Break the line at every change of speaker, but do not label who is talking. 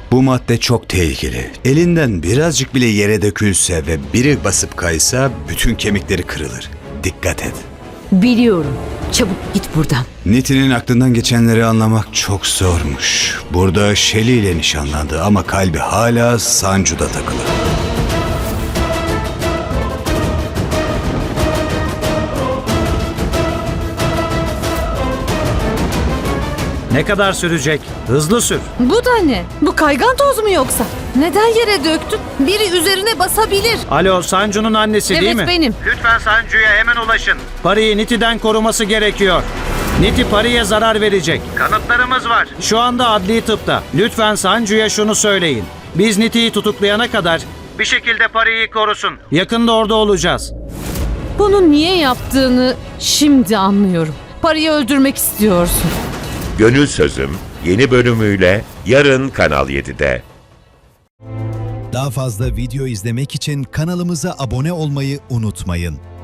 Bu madde çok tehlikeli. Elinden birazcık bile yere dökülse ve biri basıp kaysa bütün kemikleri kırılır. Dikkat et.
Biliyorum. Çabuk git buradan.
Niti'nin aklından geçenleri anlamak çok zormuş. Burada Shelly ile nişanlandı ama kalbi hala Sancu'da takılı.
Ne kadar sürecek? Hızlı sür.
Bu da ne? Bu kaygan toz mu yoksa? Neden yere döktün? Biri üzerine basabilir.
Alo, Sancu'nun annesi değil mi?
Evet, benim.
Lütfen Sancu'ya hemen ulaşın. Pari'yi Niti'den koruması gerekiyor. Niti Pari'ye zarar verecek. Kanıtlarımız var. Şu anda adli tıpta. Lütfen Sancu'ya şunu söyleyin. Biz Niti'yi tutuklayana kadar bir şekilde Pari'yi korusun. Yakında orada olacağız.
Bunu niye yaptığını şimdi anlıyorum. Parayı öldürmek istiyorsun.
Gönül Sözüm yeni bölümüyle yarın Kanal 7'de.
Daha fazla video izlemek için kanalımıza abone olmayı unutmayın.